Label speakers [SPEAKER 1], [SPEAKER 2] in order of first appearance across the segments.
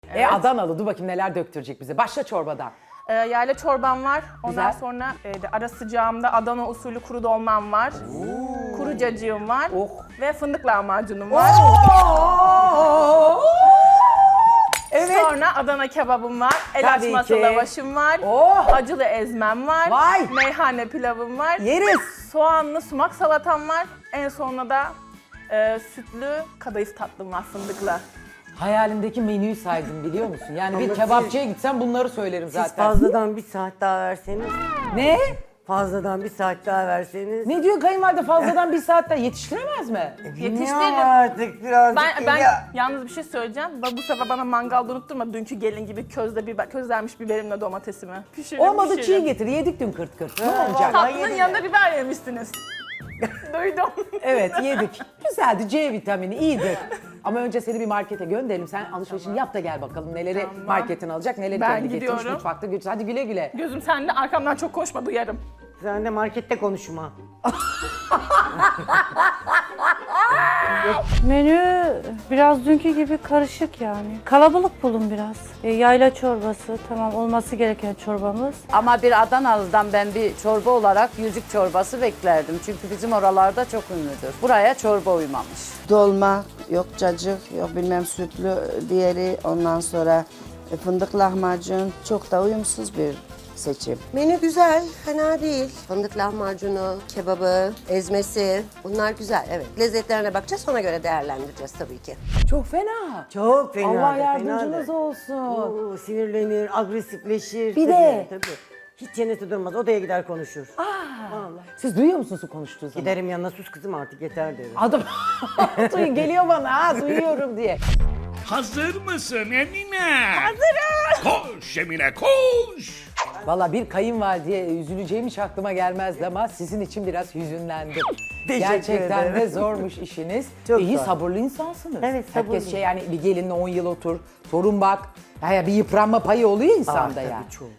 [SPEAKER 1] Evet. Adanalı, dur bakayım neler döktürecek bize. Başla çorbadan.
[SPEAKER 2] Yayla çorbam var. Ondan
[SPEAKER 1] Güzel.
[SPEAKER 2] sonra ara sıcağımda Adana usulü kuru dolmam var. Kuru cacığım var.
[SPEAKER 1] Oh.
[SPEAKER 2] Ve fındık lahmacunum var.
[SPEAKER 1] Evet.
[SPEAKER 2] Sonra Adana kebabım var. El
[SPEAKER 1] Tabii
[SPEAKER 2] açması
[SPEAKER 1] ki.
[SPEAKER 2] lavaşım var.
[SPEAKER 1] Oh.
[SPEAKER 2] Acılı ezmem var.
[SPEAKER 1] Vay.
[SPEAKER 2] Meyhane pilavım var.
[SPEAKER 1] Yeriz.
[SPEAKER 2] Soğanlı sumak salatam var. En sonunda da sütlü kadayıf tatlım var fındıklı.
[SPEAKER 1] Hayalimdeki menüyü saydım biliyor musun? Yani bir
[SPEAKER 3] Ama
[SPEAKER 1] kebapçıya gitsem bunları söylerim
[SPEAKER 3] Siz
[SPEAKER 1] zaten.
[SPEAKER 3] fazladan bir saat daha verseniz,
[SPEAKER 1] Ne?
[SPEAKER 3] fazladan bir saat daha verseniz.
[SPEAKER 1] Ne diyor kayınvalide, fazladan bir saatte yetiştiremez mi?
[SPEAKER 2] Yetiştiririm.
[SPEAKER 3] Bilmiyorum artık birazcık.
[SPEAKER 2] Ben
[SPEAKER 3] ya.
[SPEAKER 2] yalnız bir şey söyleyeceğim. Bu sefer bana mangalda unutturma dünkü gelin gibi közlenmiş biberimle domatesimi. Pişiririm,
[SPEAKER 1] Olmadı çiğ
[SPEAKER 2] pişiririm.
[SPEAKER 1] getir, yedik dün kırt kırt. Ne
[SPEAKER 3] Ha,
[SPEAKER 1] olacak?
[SPEAKER 3] vallahi
[SPEAKER 2] Tatlının
[SPEAKER 3] yedim
[SPEAKER 2] yanında biber yemişsiniz. Duydum.
[SPEAKER 1] Evet yedik. Güzeldi, C vitamini iyidir. Ama önce seni bir markete gönderelim. Sen alışverişini yap da gel bakalım. Neleri marketin alacak, neleri
[SPEAKER 2] Ben
[SPEAKER 1] kendi getirmiş
[SPEAKER 2] gidiyorum.
[SPEAKER 1] mutfakta. Hadi güle güle.
[SPEAKER 2] Gözüm sende, arkamdan çok konuşma, duyarım.
[SPEAKER 3] Sen de markette konuşma.
[SPEAKER 4] Menü biraz dünkü gibi karışık yani. Kalabalık bulun biraz. Yayla çorbası tamam olması gereken çorbamız.
[SPEAKER 5] Ama bir Adanalı'dan ben bir çorba olarak yüzük çorbası beklerdim. Çünkü bizim oralarda çok ünlüdür. Buraya çorba uymamış.
[SPEAKER 6] Dolma, yok cacık, yok bilmem sütlü diğeri, ondan sonra fındık lahmacun, çok da uyumsuz bir seçim.
[SPEAKER 7] Menü güzel, fena değil. Fındık lahmacunu, kebabı, ezmesi bunlar güzel. Evet, lezzetlerine bakacağız, ona göre değerlendireceğiz tabii ki.
[SPEAKER 1] Çok fena.
[SPEAKER 3] Çok fena.
[SPEAKER 1] Allah
[SPEAKER 3] da,
[SPEAKER 1] yardımcınız
[SPEAKER 3] fena da.
[SPEAKER 1] olsun.
[SPEAKER 3] Oo, sinirlenir, agresifleşir.
[SPEAKER 1] Bir
[SPEAKER 3] tabii,
[SPEAKER 1] de.
[SPEAKER 3] Tabii. Hiç çenesi durmaz, odaya gider konuşur.
[SPEAKER 1] Siz duyuyor musunuz konuştuğu zaman?
[SPEAKER 3] Giderim yanına, sus kızım artık yeter derim.
[SPEAKER 1] Adam geliyor bana, ha, duyuyorum diye.
[SPEAKER 8] Hazır mısın Emine? Hazırım. Koş Emine koş.
[SPEAKER 1] Valla bir kayınvalideye üzüleceğim hiç aklıma gelmezdi ama sizin için biraz hüzünlendim.
[SPEAKER 3] Teşekkür
[SPEAKER 1] Gerçekten
[SPEAKER 3] ederim.
[SPEAKER 1] de zormuş işiniz.
[SPEAKER 3] Çok
[SPEAKER 1] İyi
[SPEAKER 3] zor.
[SPEAKER 1] sabırlı insansınız.
[SPEAKER 3] Evet,
[SPEAKER 1] Herkes
[SPEAKER 3] sabırlıyım.
[SPEAKER 1] yani bir gelinle 10 yıl otur, torun bak. Ya bir yıpranma payı oluyor insanda
[SPEAKER 3] Tabii,
[SPEAKER 1] yani.
[SPEAKER 3] çok.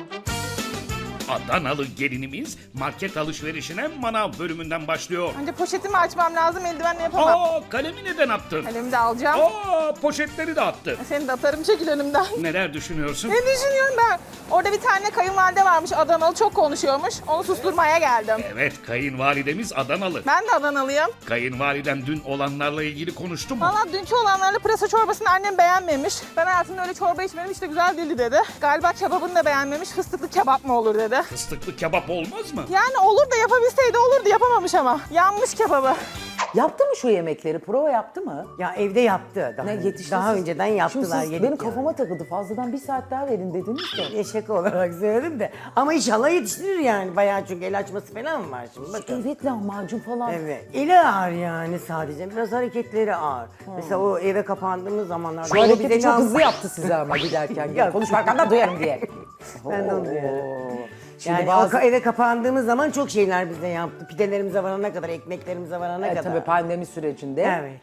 [SPEAKER 8] Adanalı gelinimiz market alışverişine manav bölümünden başlıyor.
[SPEAKER 2] Önce poşetimi açmam lazım, eldivenle yapamam.
[SPEAKER 8] Kalemi neden attın?
[SPEAKER 2] Elimi de alacağım.
[SPEAKER 8] Poşetleri de attı.
[SPEAKER 2] Seni de atarım, çekil önümden.
[SPEAKER 8] Neler düşünüyorsun?
[SPEAKER 2] Ne düşünüyorum ben? Orada bir tane kayınvalide varmış, Adanalı, çok konuşuyormuş. Onu susturmaya geldim.
[SPEAKER 8] Evet, kayınvalidemiz Adanalı.
[SPEAKER 2] Ben de Adanalıyım.
[SPEAKER 8] Kayınvaliden dün olanlarla ilgili konuştu mu?
[SPEAKER 2] Valla dünkü olanlarla pırasa çorbasını annem beğenmemiş. Ben hayatımda öyle çorba içmedim, hiç de güzel değildi dedi. Galiba kebabını da beğenmemiş, fıstıklı kebap mı olur dedi.
[SPEAKER 8] Fıstıklı kebap olmaz mı?
[SPEAKER 2] Yani olur da yapabilseydi olurdu, yapamamış ama. Yanmış kebabı.
[SPEAKER 1] Yaptı mı şu yemekleri? Prova yaptı mı?
[SPEAKER 3] Ya evde yaptı daha.
[SPEAKER 1] Ne
[SPEAKER 3] önce.
[SPEAKER 1] yetişti
[SPEAKER 3] Daha
[SPEAKER 1] siz-
[SPEAKER 3] önceden
[SPEAKER 1] Şimdi
[SPEAKER 3] yaptılar.
[SPEAKER 1] siz
[SPEAKER 3] yedik
[SPEAKER 1] benim
[SPEAKER 3] yani.
[SPEAKER 1] kafama takıldı. Fazladan bir saat daha verin dediniz de.
[SPEAKER 3] Şaka olarak söyledim de. Ama inşallah yetiştirir yani. Bayağı çünkü el açması falan var şimdi. Bakın.
[SPEAKER 1] Evet lahmacun falan.
[SPEAKER 3] Evet. Eli ağır yani sadece. Biraz hareketleri ağır. Mesela o eve kapandığımız zamanlarda.
[SPEAKER 1] Şu
[SPEAKER 3] o
[SPEAKER 1] hareketi
[SPEAKER 3] bize
[SPEAKER 1] çok
[SPEAKER 3] can-
[SPEAKER 1] hızlı yaptı size ama giderken.
[SPEAKER 3] Yok.
[SPEAKER 1] Konuşmaktan da duyarım diye.
[SPEAKER 3] Ben de onu diyorum.
[SPEAKER 1] Şimdi
[SPEAKER 3] Yani
[SPEAKER 1] bazı...
[SPEAKER 3] o eve kapandığımız zaman çok şeyler bize yaptı. Pidelerimize varana kadar, ekmeklerimize varana kadar.
[SPEAKER 1] Tabii pandemi sürecinde.
[SPEAKER 3] Evet.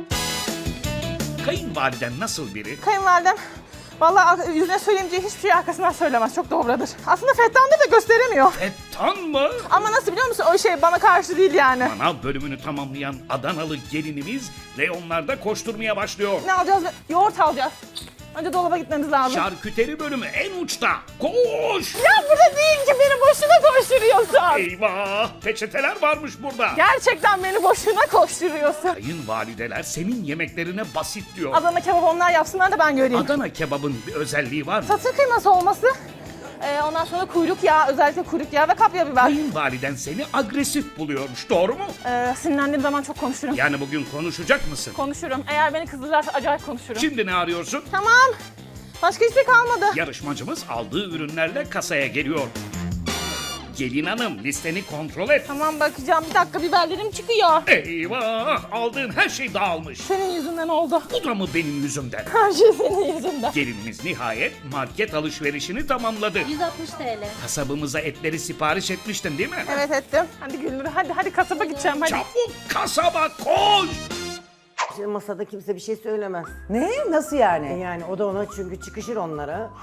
[SPEAKER 8] Kayınvaliden nasıl biri?
[SPEAKER 2] Kayınvalidem vallahi yüzüne söyleyemeyeceği hiçbir şey arkasından söylemez. Çok dobradır. Aslında Fettan'da da gösteremiyor.
[SPEAKER 8] Ettan mı?
[SPEAKER 2] Ama nasıl biliyor musun? O şey bana karşı değil yani.
[SPEAKER 8] Manav bölümünü tamamlayan Adanalı gelinimiz reyonlarda koşturmaya başlıyor.
[SPEAKER 2] Ne alacağız? Yoğurt alacağız. Önce dolaba gitmemiz lazım.
[SPEAKER 8] Şarküteri bölümü en uçta. Koş!
[SPEAKER 2] Ya burada değil ki, beni boşuna koşturuyorsun.
[SPEAKER 8] Eyvah! Peçeteler varmış burada.
[SPEAKER 2] Gerçekten beni boşuna koşturuyorsun.
[SPEAKER 8] Kayınvalideler senin yemeklerine basit diyor.
[SPEAKER 2] Adana kebap onlar yapsınlar da ben göreyim.
[SPEAKER 8] Adana kebabın bir özelliği var mı?
[SPEAKER 2] Satır kıyması olması. Ondan sonra kuyruk yağı, özellikle kuyruk yağı ve kapya biber.
[SPEAKER 8] Kayınvaliden seni agresif buluyormuş, doğru mu?
[SPEAKER 2] Sinirlendiğim zaman çok konuşurum.
[SPEAKER 8] Yani bugün konuşacak mısın?
[SPEAKER 2] Konuşurum. Eğer beni kızdırırlarsa acayip konuşurum.
[SPEAKER 8] Şimdi ne arıyorsun?
[SPEAKER 2] Tamam. Başka hiçbir şey kalmadı.
[SPEAKER 8] Yarışmacımız aldığı ürünlerle kasaya geliyor. Gelin hanım listeni kontrol et.
[SPEAKER 2] Tamam bakacağım. Bir dakika, biberlerim çıkıyor.
[SPEAKER 8] Eyvah! Aldığın her şey dağılmış.
[SPEAKER 2] Senin yüzünden oldu.
[SPEAKER 8] Bu da mı benim yüzümden?
[SPEAKER 2] Her şey senin yüzünden.
[SPEAKER 8] Gelinimiz nihayet market alışverişini tamamladı.
[SPEAKER 4] 160 TL.
[SPEAKER 8] Kasabımıza etleri sipariş etmiştin değil mi?
[SPEAKER 2] Evet ettim. Hadi Gülnur, hadi kasaba gideceğim hadi.
[SPEAKER 8] Çabuk kasaba koş!
[SPEAKER 3] Şimdi masada kimse bir şey söylemez.
[SPEAKER 1] Ne? Nasıl yani?
[SPEAKER 3] Yani o da ona çünkü çıkışır onlara.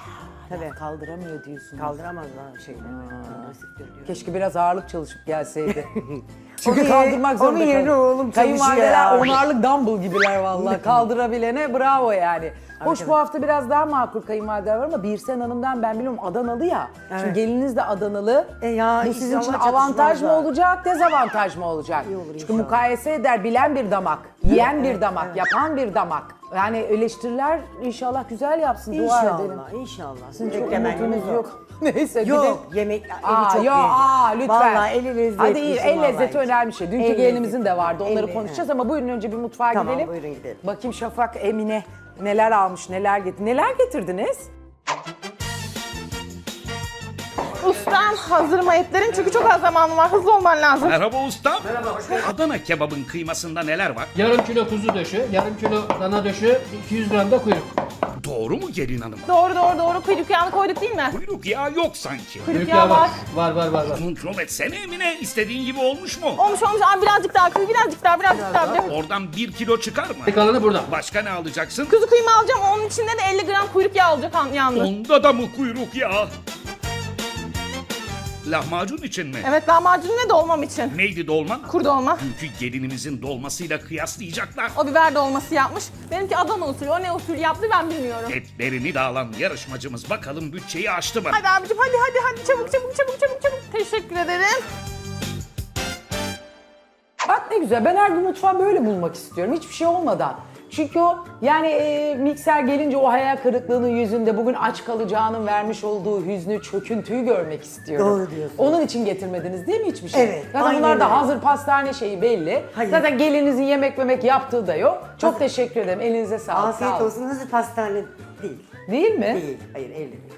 [SPEAKER 3] Tabii.
[SPEAKER 1] Kaldıramıyor diyorsun.
[SPEAKER 3] Kaldıramazlar şeyleri. Nasiptir diyor.
[SPEAKER 1] Keşke biraz ağırlık çalışıp gelseydi. Çünkü
[SPEAKER 3] Onun
[SPEAKER 1] kaldırmak
[SPEAKER 3] yerine-
[SPEAKER 1] zorunda
[SPEAKER 3] onun yerine
[SPEAKER 1] kalıyor.
[SPEAKER 3] oğlum çalışıyor
[SPEAKER 1] Kayınvalideler
[SPEAKER 3] ya.
[SPEAKER 1] onarlık dumbbell gibiler vallahi. Kaldırabilene bravo yani. Hoş bu hafta biraz daha makul kayınvalideler var ama Birsen Hanım'dan ben biliyorum Adanalı ya. Şimdi
[SPEAKER 3] Evet.
[SPEAKER 1] geliniz de Adanalı.
[SPEAKER 3] Ya
[SPEAKER 1] Bu sizin için
[SPEAKER 3] inşallah
[SPEAKER 1] avantaj mı
[SPEAKER 3] çatışmazlar.
[SPEAKER 1] olacak, dezavantaj mı olacak?
[SPEAKER 3] İyi olur
[SPEAKER 1] Çünkü
[SPEAKER 3] inşallah.
[SPEAKER 1] mukayese eder, bilen bir damak, yiyen bir
[SPEAKER 3] evet,
[SPEAKER 1] damak,
[SPEAKER 3] evet.
[SPEAKER 1] yapan bir damak. Yani eleştiriler inşallah güzel yapsın, dua edelim.
[SPEAKER 3] İnşallah, inşallah.
[SPEAKER 1] Sizin çok
[SPEAKER 3] Beklemeniz
[SPEAKER 1] umutumuz yok. Neyse bir de...
[SPEAKER 3] Yok, yemek eli
[SPEAKER 1] Aa,
[SPEAKER 3] çok
[SPEAKER 1] yo,
[SPEAKER 3] iyi.
[SPEAKER 1] lütfen.
[SPEAKER 3] Vallahi eli lezzetli.
[SPEAKER 1] Hadi iyi, el
[SPEAKER 3] vallahi.
[SPEAKER 1] lezzeti önemli şey. Dünkü
[SPEAKER 3] El
[SPEAKER 1] gelinimizin
[SPEAKER 3] lezzeti.
[SPEAKER 1] de vardı, onları
[SPEAKER 3] El-
[SPEAKER 1] konuşacağız ama buyurun önce bir mutfağa
[SPEAKER 3] Tamam,
[SPEAKER 1] gidelim.
[SPEAKER 3] buyurun gidelim.
[SPEAKER 1] Bakayım Şafak, Emine neler almış, neler getirdi. Neler getirdiniz?
[SPEAKER 2] Ustam hazırıma etlerin çünkü çok az zamanım var. Hızlı olman lazım.
[SPEAKER 8] Merhaba ustam. Adana kebabın kıymasında neler var?
[SPEAKER 9] Yarım kilo kuzu döşü, yarım kilo dana döşü, 200 gram da kuyruk.
[SPEAKER 8] Doğru mu gelin hanım?
[SPEAKER 2] Doğru. Kuyruk yağını koyduk değil mi?
[SPEAKER 8] Kuyruk yağı yok sanki.
[SPEAKER 2] Kuyruk yağı var.
[SPEAKER 9] Var.
[SPEAKER 8] Kontrol etsene Emine. İstediğin gibi olmuş mu?
[SPEAKER 2] Olmuş. Abi birazcık daha. Birazcık daha.
[SPEAKER 8] Oradan 1 kilo çıkar mı?
[SPEAKER 9] Kalanı burada.
[SPEAKER 8] Başka ne alacaksın?
[SPEAKER 2] Kuzu kıyma alacağım. Onun içinde de 50 gram kuyruk yağı olacak yalnız.
[SPEAKER 8] Onda da mı kuyruk yağı? Lahmacun için mi?
[SPEAKER 2] Evet, lahmacun ne dolmam için.
[SPEAKER 8] Neydi dolman?
[SPEAKER 2] Kur dolma.
[SPEAKER 8] Dünkü gelinimizin dolmasıyla kıyaslayacaklar.
[SPEAKER 2] O biber dolması yapmış. Benimki Adana usulü. O ne usulü yaptı ben bilmiyorum.
[SPEAKER 8] Etlerini de alan yarışmacımız bakalım bütçeyi aştı mı?
[SPEAKER 2] Hadi abicim hadi. Çabuk. Teşekkür ederim.
[SPEAKER 1] Bak ne güzel, ben her gün mutfağı böyle bulmak istiyorum, hiçbir şey olmadan. Çünkü o yani mikser gelince o hayal kırıklığının yüzünde bugün aç kalacağının vermiş olduğu hüznü, çöküntüyü görmek istiyorum.
[SPEAKER 3] Doğru diyorsun.
[SPEAKER 1] Onun için getirmediniz değil mi hiçbir şey?
[SPEAKER 3] Evet,
[SPEAKER 1] Zaten
[SPEAKER 3] aynen
[SPEAKER 1] bunlar da
[SPEAKER 3] öyle.
[SPEAKER 1] hazır pastane şeyi belli.
[SPEAKER 3] Hayır.
[SPEAKER 1] Zaten gelinizin yemek yaptığı da yok. Çok teşekkür ederim, elinize sağlık.
[SPEAKER 3] Afiyet
[SPEAKER 1] sağ olun.
[SPEAKER 3] olsun. Hazır pastane değil.
[SPEAKER 1] Değil mi?
[SPEAKER 3] Değil. Hayır, evli değil.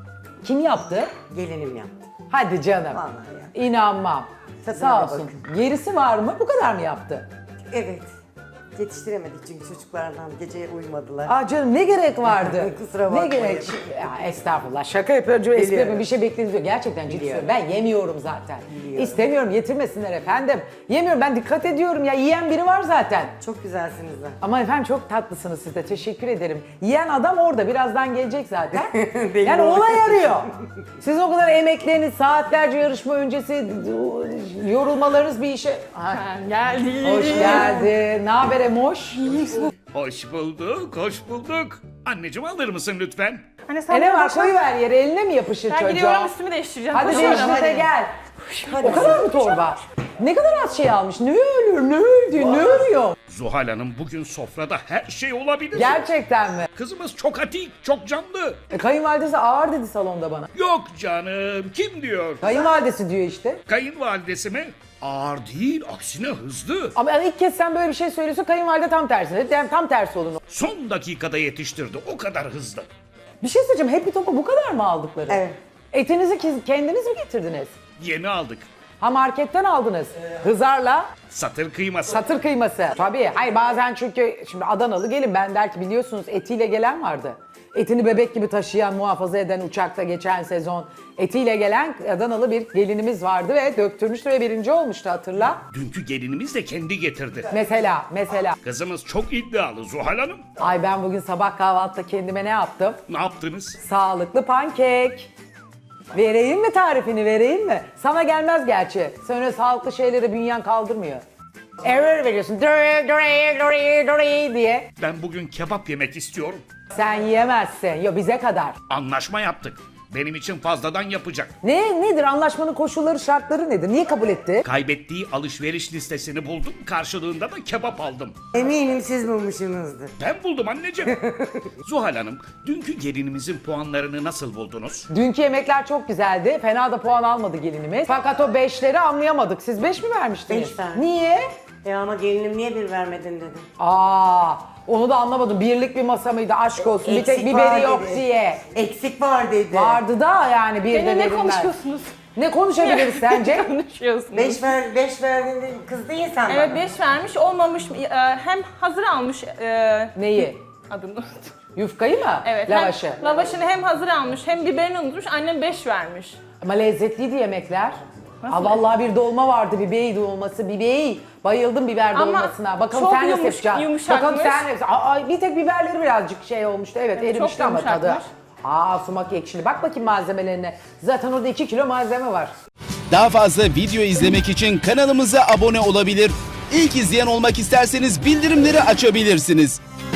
[SPEAKER 1] Kim yaptı?
[SPEAKER 3] Gelinim yaptı.
[SPEAKER 1] Hadi canım.
[SPEAKER 3] Vallahi ya.
[SPEAKER 1] İnanmam.
[SPEAKER 3] Tadına
[SPEAKER 1] Sağ
[SPEAKER 3] da
[SPEAKER 1] olsun. Gerisi var mı? Bu kadar mı yaptı?
[SPEAKER 3] Evet. Yetiştiremedik çünkü çocuklardan gece uyumadılar.
[SPEAKER 1] Aa canım ne gerek vardı?
[SPEAKER 3] Kusura
[SPEAKER 1] Ne
[SPEAKER 3] bakmayın.
[SPEAKER 1] gerek? Ya estağfurullah şaka yapıyorum. Espri
[SPEAKER 3] Biliyorum.
[SPEAKER 1] yapıyorum. Bir şey beklediğiniz yok. Gerçekten ciddi
[SPEAKER 3] Biliyorum.
[SPEAKER 1] söylüyorum. Ben yemiyorum zaten.
[SPEAKER 3] Biliyorum.
[SPEAKER 1] İstemiyorum getirmesinler efendim. Yemiyorum ben dikkat ediyorum ya. Yiyen biri var zaten.
[SPEAKER 3] Çok güzelsiniz lan.
[SPEAKER 1] Ama efendim çok tatlısınız siz de. Teşekkür ederim. Yiyen adam orada. Birazdan gelecek zaten.
[SPEAKER 3] Belli
[SPEAKER 1] Yani
[SPEAKER 3] oldu.
[SPEAKER 1] olay arıyor. Siz o kadar emekleriniz, saatlerce yarışma öncesi yorulmalarınız bir işe... Ha,
[SPEAKER 2] Geldi.
[SPEAKER 1] hoş geldin. Ne haber Emoş?
[SPEAKER 8] Hoş bulduk. Anneciğim alır mısın lütfen?
[SPEAKER 2] Hani sen
[SPEAKER 1] Ne var
[SPEAKER 2] boş ver.
[SPEAKER 1] koyuver yere eline mi yapışır
[SPEAKER 2] Ben
[SPEAKER 1] çocuğa?
[SPEAKER 2] gidiyorum üstümü değiştireceğim.
[SPEAKER 1] Hadi
[SPEAKER 2] Koşuyorum.
[SPEAKER 1] değiştir de gel. O kadar mı torba? Ne kadar az şey almış? Ne ölür, ne öldü, ne ölüyor?
[SPEAKER 8] Zuhal Hanım bugün sofrada her şey olabilir.
[SPEAKER 1] Gerçekten mi?
[SPEAKER 8] Kızımız çok atik, çok canlı.
[SPEAKER 1] Kayınvalidesi ağır dedi salonda bana.
[SPEAKER 8] Yok canım, kim diyor?
[SPEAKER 1] Kayınvalidesi diyor işte.
[SPEAKER 8] Kayınvalidesi mi? Ağır değil, aksine hızlı.
[SPEAKER 1] Ama yani ilk kez sen böyle bir şey söylüyorsun, kayınvalide tam tersi dedi. Yani tam tersi olun.
[SPEAKER 8] Son dakikada yetiştirdi, o kadar hızlı.
[SPEAKER 1] Bir şey söyleyeceğim, Happy Top'a bu kadar mı aldıkları?
[SPEAKER 3] Evet.
[SPEAKER 1] Etinizi kendiniz mi getirdiniz?
[SPEAKER 8] Yeni aldık.
[SPEAKER 1] Ha marketten aldınız. Hızarla
[SPEAKER 8] Satır kıyması.
[SPEAKER 1] satır kıyması. Tabii. Hayır bazen çünkü şimdi Adanalı gelin ben der ki biliyorsunuz etiyle gelen vardı. Etini bebek gibi taşıyan, muhafaza eden uçakta geçen sezon etiyle gelen Adanalı bir gelinimiz vardı ve döktürmüştü ve birinci olmuştu hatırla.
[SPEAKER 8] Dünkü gelinimiz de kendi getirdi.
[SPEAKER 1] Mesela.
[SPEAKER 8] Kızımız çok iddialı Zuhal Hanım.
[SPEAKER 1] Ay ben bugün sabah kahvaltıda kendime ne yaptım?
[SPEAKER 8] Ne yaptınız?
[SPEAKER 1] Sağlıklı pankek. Vereyim mi tarifini vereyim mi? Sana gelmez gerçi. Sen öyle sağlıklı şeyleri bünyen kaldırmıyor. Error veriyorsun. Diye.
[SPEAKER 8] Ben bugün kebap yemek istiyorum.
[SPEAKER 1] Sen yiyemezsin. Yo bize kadar.
[SPEAKER 8] Anlaşma yaptık. Benim için fazladan yapacak.
[SPEAKER 1] Nedir anlaşmanın koşulları şartları nedir? Niye kabul etti?
[SPEAKER 8] Kaybettiği alışveriş listesini buldum. Karşılığında da kebap aldım.
[SPEAKER 3] Eminim siz bulmuşsunuzdur.
[SPEAKER 8] Ben buldum anneciğim. Zuhal Hanım, dünkü gelinimizin puanlarını nasıl buldunuz?
[SPEAKER 1] Dünkü yemekler çok güzeldi. Fena da puan almadı gelinimiz. Fakat o 5'leri anlayamadık. Siz 5 mi vermiştiniz?
[SPEAKER 3] Beş verdim.
[SPEAKER 1] Niye?
[SPEAKER 3] Ama gelinim niye bir vermedin dedim.
[SPEAKER 1] Onu da anlamadım. Birlik bir masa mıydı? Aşk olsun. Bir tek
[SPEAKER 3] Eksik
[SPEAKER 1] biberi
[SPEAKER 3] var
[SPEAKER 1] yok
[SPEAKER 3] dedi.
[SPEAKER 1] diye.
[SPEAKER 3] Eksik var dedi.
[SPEAKER 1] Vardı da yani bir de
[SPEAKER 2] Benimle ne
[SPEAKER 1] verilmez.
[SPEAKER 2] konuşuyorsunuz?
[SPEAKER 1] Ne konuşabiliriz sence?
[SPEAKER 2] Konuşuyorsunuz.
[SPEAKER 3] 5 verdin kızdı insan
[SPEAKER 2] Evet
[SPEAKER 3] bana.
[SPEAKER 2] 5 vermiş olmamış. Hem hazır almış.
[SPEAKER 1] Neyi?
[SPEAKER 2] Adını unuttum.
[SPEAKER 1] Yufkayı mı?
[SPEAKER 2] Evet.
[SPEAKER 1] Lavaşı.
[SPEAKER 2] Hem lavaşını hem hazır almış hem biberini unutmuş. Annem 5 vermiş.
[SPEAKER 1] Ama lezzetliydi yemekler. Vallahi bir dolma vardı, bibeği dolması, bibeği. Bayıldım biber
[SPEAKER 2] Ama
[SPEAKER 1] dolmasına. Bakalım
[SPEAKER 2] çok
[SPEAKER 1] sen nasıl yapacaksın?
[SPEAKER 2] yumuşakmış.
[SPEAKER 1] Bakalım sen nasıl? Bir tek biberleri birazcık şey olmuştu. Evet, erimişti ama tadı.
[SPEAKER 2] yumuşakmış.
[SPEAKER 1] Sumak ekşili. Bak bakayım malzemelerine. Zaten orada 2 kilo malzeme var.
[SPEAKER 10] Daha fazla video izlemek için kanalımıza abone olabilir. İlk izleyen olmak isterseniz bildirimleri açabilirsiniz.